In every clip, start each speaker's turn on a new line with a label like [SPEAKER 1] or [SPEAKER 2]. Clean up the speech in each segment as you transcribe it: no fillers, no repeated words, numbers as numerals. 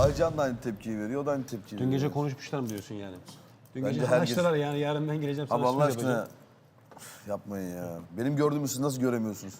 [SPEAKER 1] Aycan da aynı tepkiyi veriyor, o da aynı tepkiyi veriyor.
[SPEAKER 2] Dün gece konuşmuşlar mı diyorsun yani? Dün
[SPEAKER 1] Bence
[SPEAKER 2] gece anlaştılar yani yarın ben geleceğim sana
[SPEAKER 1] Abi Allah
[SPEAKER 2] sürpriz
[SPEAKER 1] aşkına
[SPEAKER 2] yapacağım.
[SPEAKER 1] yapmayın ya. Benim gördüğümü siz nasıl göremiyorsunuz?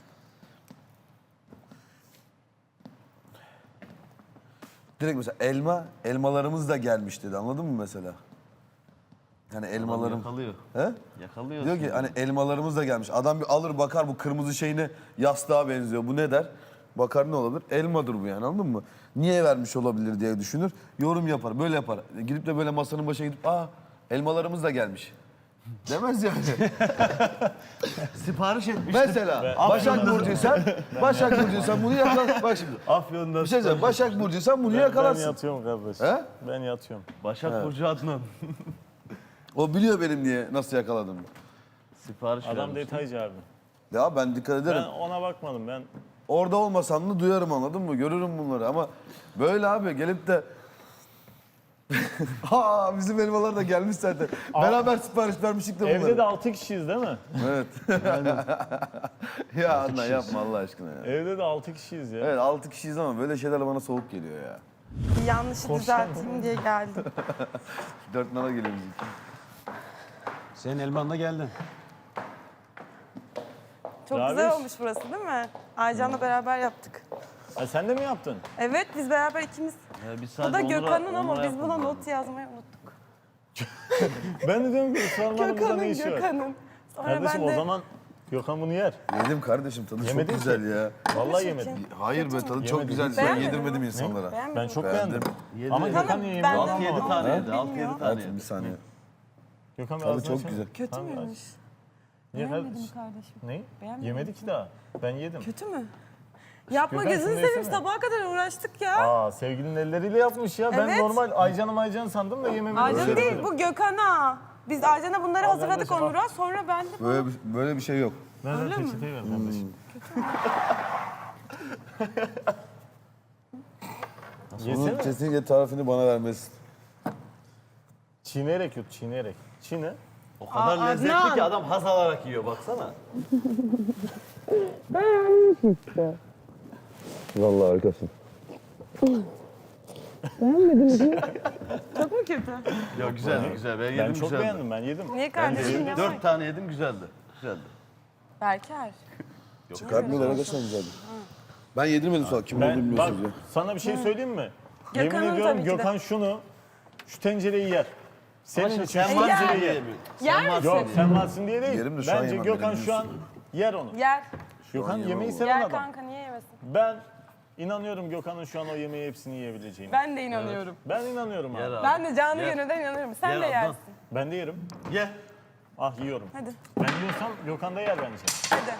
[SPEAKER 1] Direkt mesela elmalarımız da gelmiş dedi. Anladın mı mesela? Yani elmalarım...
[SPEAKER 3] Yakalıyor.
[SPEAKER 1] He?
[SPEAKER 3] Yakalıyor.
[SPEAKER 1] Diyor ki hani elmalarımız da gelmiş. Adam bir alır bakar bu kırmızı şeyine yastığa benziyor. Bu ne der? Bakar ne olabilir? Elmadır bu yani anladın mı? Niye vermiş olabilir diye düşünür. Yorum yapar, böyle yapar. Gidip de böyle masanın başına gidip elmalarımız da gelmiş. Demez yani.
[SPEAKER 3] Sipariş etmiş.
[SPEAKER 1] Mesela Başak Burcu'ysan bunu yakal. Bak şimdi.
[SPEAKER 3] Afyon'da.
[SPEAKER 1] Bir şey söyleyeyim. Başak Burcu'ysan bunu yakalarsın.
[SPEAKER 4] Ben yatıyorum kardeş.
[SPEAKER 1] He?
[SPEAKER 4] Ben yatıyorum.
[SPEAKER 3] Başak Burcu Adnan.
[SPEAKER 1] O biliyor benim niye nasıl yakaladığımı.
[SPEAKER 3] Sipariş
[SPEAKER 4] Adam
[SPEAKER 3] vermiş.
[SPEAKER 4] detaycı abi.
[SPEAKER 1] Ya ben dikkat ederim.
[SPEAKER 4] Ben ona bakmadım. Ben
[SPEAKER 1] Orada olmasam da duyarım anladın mı? Görürüm bunları ama böyle abi gelip de bizim elmalar da gelmiş zaten. Beraber sipariş vermiştik de bunları.
[SPEAKER 4] evde de 6 kişiyiz değil mi?
[SPEAKER 1] Evet. Ya Adnan yapma Allah aşkına ya.
[SPEAKER 4] Evde de 6 kişiyiz ya.
[SPEAKER 1] Evet 6 kişiyiz ama böyle şeyler bana soğuk geliyor ya.
[SPEAKER 5] Bir yanlışı düzelteyim diye geldim.
[SPEAKER 1] 4 nala geliyor bizimki.
[SPEAKER 2] Senin elman da geldi.
[SPEAKER 5] Çok
[SPEAKER 4] Rabiş.
[SPEAKER 5] güzel olmuş burası değil mi? Aycan'la beraber yaptık.
[SPEAKER 4] Ha, sen de mi yaptın?
[SPEAKER 5] Evet biz beraber ikimiz.
[SPEAKER 3] Ya biz
[SPEAKER 5] Bu
[SPEAKER 3] sadece
[SPEAKER 5] da
[SPEAKER 3] Onur'a-
[SPEAKER 5] Gökhan'ın ama
[SPEAKER 3] Onur'a
[SPEAKER 5] biz buna
[SPEAKER 3] yapalım.
[SPEAKER 5] not yazmayı unuttuk.
[SPEAKER 4] Ben de diyorum ki ısrarlarımızda ne işi var?
[SPEAKER 5] Gökhan'ın. Sonra
[SPEAKER 4] Kardeşim
[SPEAKER 5] ben de...
[SPEAKER 4] o zaman Gökhan bunu yer.
[SPEAKER 1] Yedim kardeşim tadı
[SPEAKER 4] Yemedin
[SPEAKER 1] çok güzel ya.
[SPEAKER 4] Vallahi yemedim.
[SPEAKER 1] Hayır be tadı çok
[SPEAKER 4] Yemedim.
[SPEAKER 1] güzel. Ben
[SPEAKER 5] Beğenmedin
[SPEAKER 1] yedirmedim
[SPEAKER 5] mi?
[SPEAKER 1] insanlara.
[SPEAKER 5] Beğenmedim.
[SPEAKER 4] Ben çok
[SPEAKER 1] Beğendim.
[SPEAKER 4] beğendim.
[SPEAKER 3] Yedi.
[SPEAKER 4] Ama
[SPEAKER 5] Tamam,
[SPEAKER 4] Gökhan
[SPEAKER 5] ben
[SPEAKER 4] yemiyor.
[SPEAKER 5] de-
[SPEAKER 3] 6-7 tane
[SPEAKER 5] Ama
[SPEAKER 3] yedi. 6-7
[SPEAKER 5] bilmiyorum.
[SPEAKER 3] tane
[SPEAKER 1] Hadi bir
[SPEAKER 3] yedi.
[SPEAKER 1] saniye.
[SPEAKER 4] Gökhan bir
[SPEAKER 1] Tadı
[SPEAKER 4] ağzını
[SPEAKER 1] çok
[SPEAKER 4] açsana.
[SPEAKER 1] güzel.
[SPEAKER 5] Kötü
[SPEAKER 4] Tamam,
[SPEAKER 5] müymüş?
[SPEAKER 4] Niye
[SPEAKER 5] Beğenmedim
[SPEAKER 4] kardeşim?
[SPEAKER 5] kardeşim.
[SPEAKER 4] Ne?
[SPEAKER 5] Beğenmedim.
[SPEAKER 4] Yemedik ki daha. Ben yedim.
[SPEAKER 5] Kötü mü? Yapma
[SPEAKER 4] Gökhan,
[SPEAKER 5] gözünü
[SPEAKER 4] şunu
[SPEAKER 5] seveyim
[SPEAKER 4] yesene.
[SPEAKER 5] sabaha kadar uğraştık ya.
[SPEAKER 4] Aa sevgilinin elleriyle yapmış ya. Ben
[SPEAKER 5] Evet.
[SPEAKER 4] normal Aycan'ı sandım da yememeyi
[SPEAKER 5] Aycan değil bu Gökhan'a. Biz Aycan'a bunları hazırladık
[SPEAKER 4] kardeşim,
[SPEAKER 5] Onur'a. Sonra ben de
[SPEAKER 1] Böyle bir şey yok.
[SPEAKER 4] Ben de peçeteyi ver kardeşim.
[SPEAKER 1] Bunun
[SPEAKER 4] Yesene.
[SPEAKER 1] kesinlikle tarifini bana vermesin.
[SPEAKER 4] Çiğneyerek yut, çiğneyerek. Çiğne.
[SPEAKER 3] O kadar lezzetli
[SPEAKER 5] Adnan.
[SPEAKER 3] ki adam haz alarak yiyor baksana.
[SPEAKER 1] Vallahi harikasın.
[SPEAKER 5] çok mu kötü?
[SPEAKER 3] Ya güzeldi güzel. Ben yedim
[SPEAKER 4] Ben çok
[SPEAKER 3] güzeldi.
[SPEAKER 4] beğendim, ben yedim.
[SPEAKER 5] Niye
[SPEAKER 3] Ben
[SPEAKER 5] kardeşim
[SPEAKER 3] de
[SPEAKER 5] ne var?
[SPEAKER 3] 4 tane yedim güzeldi. Güzeldi.
[SPEAKER 5] Berker.
[SPEAKER 1] Çıkartmıyorlar arkadaşlar güzeldi. Ben yedirmedim sonra kim olduğunu
[SPEAKER 4] Ben bak
[SPEAKER 1] bilmiyorsunuz ya.
[SPEAKER 4] sana bir şey söyleyeyim mi?
[SPEAKER 5] Gökhan'ın
[SPEAKER 4] Yemin ediyorum
[SPEAKER 5] tabii ki de.
[SPEAKER 4] Gökhan şu tencereyi yer. Senin için şu
[SPEAKER 3] Sen varsın
[SPEAKER 4] tencereyi
[SPEAKER 3] diye
[SPEAKER 4] yer.
[SPEAKER 3] mi?
[SPEAKER 5] Yer misin?
[SPEAKER 4] Yok sen varsın diye değil.
[SPEAKER 1] Yerim de şu an
[SPEAKER 4] Bence
[SPEAKER 1] yemem,
[SPEAKER 4] Gökhan
[SPEAKER 1] benim
[SPEAKER 4] şu an yer onu.
[SPEAKER 5] Yer.
[SPEAKER 4] Gökhan
[SPEAKER 1] yemem
[SPEAKER 4] yemeği
[SPEAKER 1] onu.
[SPEAKER 4] seven
[SPEAKER 5] Yer
[SPEAKER 4] adam.
[SPEAKER 5] kanka niye yemesin?
[SPEAKER 4] Ben inanıyorum Gökhan'ın şu an o yemeği hepsini yiyebileceğine.
[SPEAKER 5] Ben de inanıyorum.
[SPEAKER 4] Ben inanıyorum
[SPEAKER 3] Yer
[SPEAKER 4] abi.
[SPEAKER 3] abi.
[SPEAKER 5] Ben de canlı
[SPEAKER 3] Yer.
[SPEAKER 5] gönülden inanıyorum. Sen
[SPEAKER 3] Yer
[SPEAKER 5] de
[SPEAKER 3] Adnan.
[SPEAKER 5] yersin.
[SPEAKER 4] Ben de yerim.
[SPEAKER 3] Ye.
[SPEAKER 4] Ah yiyorum.
[SPEAKER 5] Hadi.
[SPEAKER 4] Ben yiyorsam Gökhan da yer bence.
[SPEAKER 5] Hadi.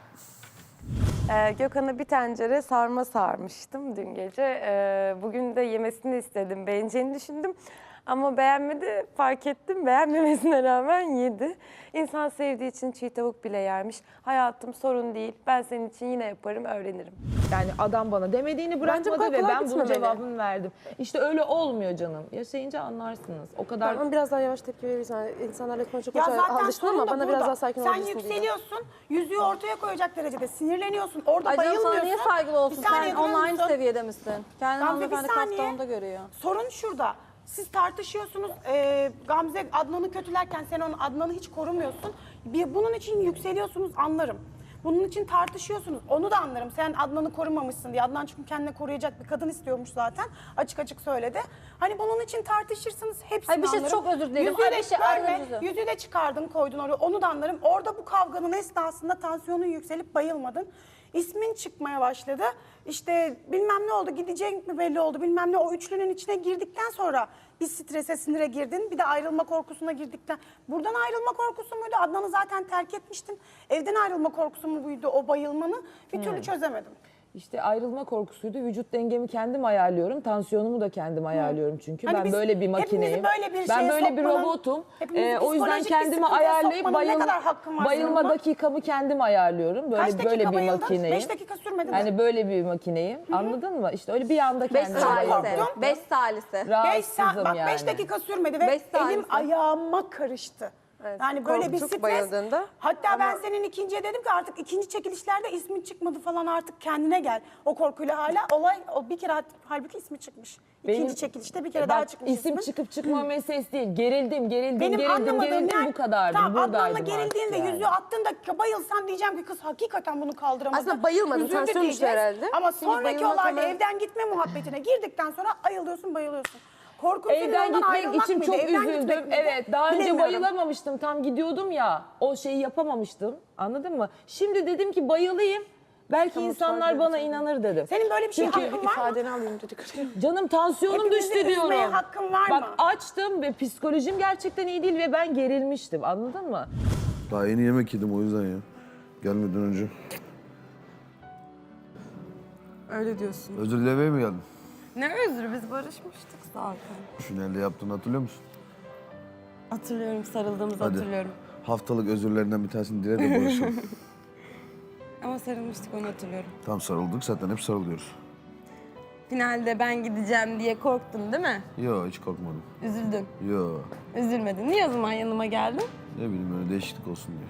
[SPEAKER 5] Gökhan'a bir tencere sarma sarmıştım dün gece. Bugün de yemesini istedim, beğeneceğini düşündüm. Ama beğenmedi, fark ettim. Beğenmemesine rağmen yedi. İnsan sevdiği için çiğ tavuk bile yermiş. Hayatım sorun değil, ben senin için yine yaparım, öğrenirim.
[SPEAKER 6] Yani adam bana demediğini bırakmadı
[SPEAKER 5] kadar
[SPEAKER 6] ve
[SPEAKER 5] kolay
[SPEAKER 6] ben bunun
[SPEAKER 5] gitmemeli.
[SPEAKER 6] cevabını verdim. İşte öyle olmuyor canım. Yaşayınca anlarsınız. O kadar
[SPEAKER 7] Ama biraz daha yavaş tepki verirsen insanlarla konuşacak
[SPEAKER 8] Ya zaten
[SPEAKER 7] alıştın
[SPEAKER 8] sorun
[SPEAKER 7] ama
[SPEAKER 8] da
[SPEAKER 7] bana
[SPEAKER 8] burada.
[SPEAKER 7] biraz daha sakin
[SPEAKER 8] Sen
[SPEAKER 7] olabilirsin diye.
[SPEAKER 8] yükseliyorsun, yüzüğü ortaya koyacak derecede sinirleniyorsun. Orada
[SPEAKER 9] Ay canım
[SPEAKER 8] bayılmıyorsun.
[SPEAKER 9] sana niye saygılı olsun?
[SPEAKER 8] Bir saniye
[SPEAKER 9] Sen
[SPEAKER 8] durur
[SPEAKER 9] onunla aynı
[SPEAKER 8] musun?
[SPEAKER 9] seviyede misin? Kendini
[SPEAKER 8] Gamze, bir
[SPEAKER 9] hanımefendi
[SPEAKER 8] saniye.
[SPEAKER 9] kaptanında görüyor.
[SPEAKER 8] Sorun şurada. Siz tartışıyorsunuz. Gamze Adnan'ı kötülerken sen onun Adnan'ı hiç korumuyorsun. Bunun için yükseliyorsunuz anlarım. Bunun için tartışıyorsunuz. Onu da anlarım. Sen Adnan'ı korumamışsın diye. Adnan çünkü kendine koruyacak bir kadın istiyormuş zaten. Açık açık söyledi. Hani bunun için tartışırsınız hepsini
[SPEAKER 9] Hayır, bir şey
[SPEAKER 8] anlarım.
[SPEAKER 9] çok özür dilerim.
[SPEAKER 8] Yüzüğü
[SPEAKER 9] Ay,
[SPEAKER 8] de
[SPEAKER 9] bir şey
[SPEAKER 8] görme.
[SPEAKER 9] anladım.
[SPEAKER 8] Yüzüğü de çıkardın koydun oraya. Onu da anlarım. Orada bu kavganın esnasında tansiyonun yükselip bayılmadın. İsmin çıkmaya başladı. İşte bilmem ne oldu, gidecek mi belli oldu, bilmem ne. O üçlünün içine girdikten sonra bir strese, sinire girdin. Bir de ayrılma korkusuna girdikten. Buradan ayrılma korkusu muydu? Adnan'ı zaten terk etmiştin. Evden ayrılma korkusu mu buydu o bayılmanı? Bir türlü çözemedim.
[SPEAKER 6] işte ayrılma korkusuydu. Vücut dengemi kendim ayarlıyorum. Tansiyonumu da kendim ayarlıyorum çünkü.
[SPEAKER 8] Hani
[SPEAKER 6] ben
[SPEAKER 8] biz
[SPEAKER 6] böyle bir
[SPEAKER 8] hepimizi
[SPEAKER 6] makineyim.
[SPEAKER 8] böyle bir
[SPEAKER 6] Ben
[SPEAKER 8] şeye
[SPEAKER 6] böyle bir
[SPEAKER 8] sokmanın,
[SPEAKER 6] robotum.
[SPEAKER 8] hepimizi
[SPEAKER 6] O yüzden
[SPEAKER 8] psikolojik bir
[SPEAKER 6] kendimi
[SPEAKER 8] sıkıntıya
[SPEAKER 6] ayarlayıp
[SPEAKER 8] sokmanın ne kadar hakkım var
[SPEAKER 6] bayılma
[SPEAKER 8] senin buna?
[SPEAKER 6] dakikamı kendim ayarlıyorum. Böyle
[SPEAKER 8] Kaç dakika
[SPEAKER 6] böyle bir
[SPEAKER 8] bayıldın?
[SPEAKER 6] makineyim.
[SPEAKER 8] 5 dakika sürmedi mi?
[SPEAKER 6] Yani böyle bir makineyim. Anladın mı? İşte öyle bir anda
[SPEAKER 9] 5
[SPEAKER 6] kendimi
[SPEAKER 9] salise.
[SPEAKER 6] ayarlıyorum.
[SPEAKER 9] 5 salise.
[SPEAKER 8] Beş
[SPEAKER 6] Rahatsızım
[SPEAKER 8] bak
[SPEAKER 6] yani.
[SPEAKER 8] 5 dakika sürmedi ve
[SPEAKER 9] Beş tanesi.
[SPEAKER 8] elim ayağıma karıştı.
[SPEAKER 5] Evet,
[SPEAKER 8] Yani böyle bir
[SPEAKER 5] korktuk
[SPEAKER 8] stres.
[SPEAKER 5] bayıldığında.
[SPEAKER 8] Hatta ben senin ikinciye dedim ki artık ikinci çekilişlerde ismin çıkmadı falan, artık kendine gel. O korkuyla hala o bir kere halbuki ismi çıkmış. İkinci
[SPEAKER 6] Benim-
[SPEAKER 8] çekilişte bir kere daha
[SPEAKER 6] Bak,
[SPEAKER 8] çıkmış
[SPEAKER 6] isim
[SPEAKER 8] ismin.
[SPEAKER 6] çıkıp çıkma meselesi değil. Gerildim
[SPEAKER 8] Benim anlamadığım yani,
[SPEAKER 6] bu kadardı.
[SPEAKER 8] tamam, Adnan'la
[SPEAKER 6] Buradaydım
[SPEAKER 8] gerildiğin
[SPEAKER 6] artık
[SPEAKER 8] ve
[SPEAKER 6] yani.
[SPEAKER 8] yüzüğü attığında bayılsan diyeceğim ki kız hakikaten bunu kaldıramadı.
[SPEAKER 5] Aslında bayılmadı,
[SPEAKER 8] Üzüldü
[SPEAKER 5] tansiyon düştü
[SPEAKER 8] diyeceğiz.
[SPEAKER 5] herhalde.
[SPEAKER 8] Ama
[SPEAKER 5] Şimdi
[SPEAKER 8] sonraki
[SPEAKER 5] bayılmak
[SPEAKER 8] olayda
[SPEAKER 5] hemen-
[SPEAKER 8] evden gitme muhabbetine girdikten sonra ayılıyorsun, bayılıyorsun. Korkun senin
[SPEAKER 6] Evden
[SPEAKER 8] ondan
[SPEAKER 6] gitmek
[SPEAKER 8] ayrılmak
[SPEAKER 6] için
[SPEAKER 8] mıydı,
[SPEAKER 6] çok
[SPEAKER 8] evden gitmek
[SPEAKER 6] üzüldüm.
[SPEAKER 8] miydi?
[SPEAKER 6] Evet, daha önce
[SPEAKER 8] Bilemiyorum.
[SPEAKER 6] bayılamamıştım. Tam gidiyordum ya. O şeyi yapamamıştım. Anladın mı? Şimdi dedim ki bayılayım. Belki insanlar bana inanır dedim.
[SPEAKER 8] Senin böyle bir şey
[SPEAKER 6] Çünkü
[SPEAKER 8] hakkın var mı?
[SPEAKER 7] İfadeni alayım dedik.
[SPEAKER 6] Canım tansiyonum
[SPEAKER 8] Hepimizi
[SPEAKER 6] düştü diyorum.
[SPEAKER 8] üzmeye hakkın var
[SPEAKER 6] Bak
[SPEAKER 8] mı?
[SPEAKER 6] açtım ve psikolojim gerçekten iyi değil ve ben gerilmiştim. Anladın mı?
[SPEAKER 1] Daha yeni yemek yedim o yüzden ya. Gelmeden önce.
[SPEAKER 5] Öyle diyorsun.
[SPEAKER 1] Özür dilemeye mi geldin?
[SPEAKER 5] Ne özrü, biz barışmıştık zaten.
[SPEAKER 1] Finalde yaptığını hatırlıyor musun?
[SPEAKER 5] Hatırlıyorum, sarıldığımızı
[SPEAKER 1] Hadi.
[SPEAKER 5] hatırlıyorum.
[SPEAKER 1] Haftalık özürlerinden bir tanesini dile de barışalım.
[SPEAKER 5] Ama sarılmıştık, onu hatırlıyorum.
[SPEAKER 1] Tam sarıldık, zaten hep sarılıyoruz.
[SPEAKER 5] Finalde ben gideceğim diye korktun değil mi?
[SPEAKER 1] Yo, hiç korkmadım.
[SPEAKER 5] Üzüldün.
[SPEAKER 1] Yo,
[SPEAKER 5] Üzülmedin. Niye o zaman yanıma geldin?
[SPEAKER 1] ne bileyim öyle değişiklik olsun diye.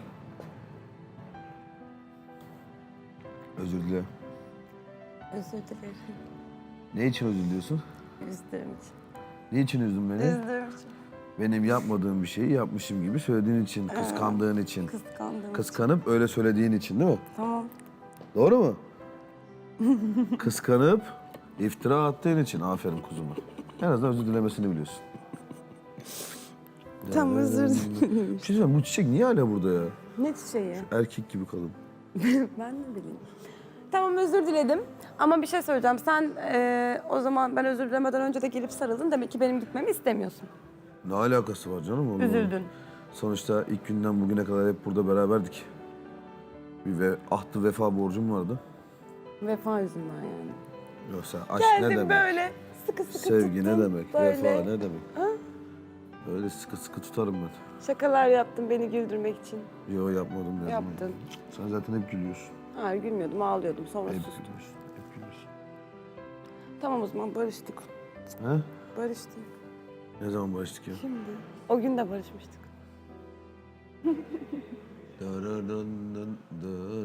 [SPEAKER 1] Özür dile.
[SPEAKER 5] Özür dilerim.
[SPEAKER 1] Ne için özür diliyorsun?
[SPEAKER 5] Üzdüğüm için.
[SPEAKER 1] Ne için üzdün beni?
[SPEAKER 5] Üzdüğüm için.
[SPEAKER 1] Benim yapmadığım bir şeyi yapmışım gibi söylediğin için, kıskandığın için.
[SPEAKER 5] Kıskandığım için.
[SPEAKER 1] Kıskanıp öyle söylediğin için değil mi?
[SPEAKER 5] Tamam.
[SPEAKER 1] Doğru mu? Kıskanıp iftira attığın için. Aferin kuzuma. En azından özür dilemesini biliyorsun.
[SPEAKER 5] Tamam, özür dilerim.
[SPEAKER 1] Bir şey söyleyeyim, bu çiçek niye hala burada ya?
[SPEAKER 5] Ne çiçeği?
[SPEAKER 1] Erkek gibi kadın.
[SPEAKER 5] Ben ne bileyim. Tamam, özür diledim. Ama bir şey söyleyeceğim. Sen o zaman ben özür dilemeden önce de gelip sarıldın. Demek ki benim gitmemi istemiyorsun.
[SPEAKER 1] Ne alakası var canım? Onunla?
[SPEAKER 5] Üzüldün.
[SPEAKER 1] Sonuçta ilk günden bugüne kadar hep burada beraberdik. Bir ahtı vefa borcum vardı.
[SPEAKER 5] Vefa yüzünden yani.
[SPEAKER 1] Yoksa aşk ne
[SPEAKER 5] Geldim
[SPEAKER 1] demek?
[SPEAKER 5] böyle sıkı sıkı
[SPEAKER 1] Sevgi ne
[SPEAKER 5] tuttum,
[SPEAKER 1] demek?
[SPEAKER 5] böyle.
[SPEAKER 1] Vefa ne demek? Öyle sıkı sıkı tutarım ben.
[SPEAKER 5] Şakalar yaptın beni güldürmek için.
[SPEAKER 1] Yo, yapmadım dedim.
[SPEAKER 5] Yaptın.
[SPEAKER 1] Sen zaten hep gülüyorsun.
[SPEAKER 5] Hayır, gülmüyordum, ağlıyordum. Sonra
[SPEAKER 1] Hep
[SPEAKER 5] sustum.
[SPEAKER 1] gülüyorsun. Hep gülüyorsun.
[SPEAKER 5] Tamam, o zaman barıştık.
[SPEAKER 1] He?
[SPEAKER 5] Barıştık.
[SPEAKER 1] Ne zaman barıştık ya?
[SPEAKER 5] Şimdi. O gün de barışmıştık.
[SPEAKER 1] Dararın,